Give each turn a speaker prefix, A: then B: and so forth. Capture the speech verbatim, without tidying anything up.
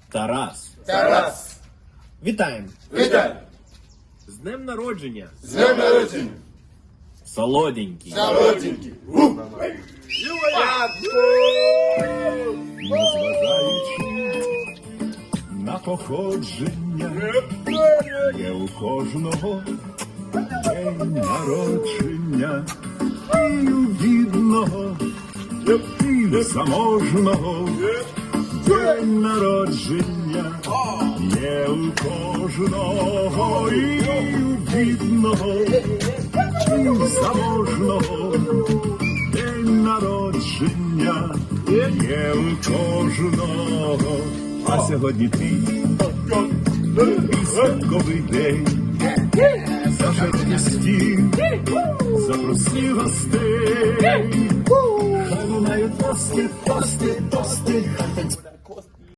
A: Тарас.
B: Тарас.
A: Вітаємо!
B: Вітаю.
A: З днем народження!
B: З днем народження.
A: Солоденький!
B: Солоденький.
C: Незважаючи на походження, є у кожного день народження, і у бідного, і у заможного день народження, є у кожного, і у бідного, і у заможного день народження, є у кожного. А сьогодні ти і святковий день, зажечний стіл, запроси гостей, хай лунають тости, тости, тости, хай танцюють.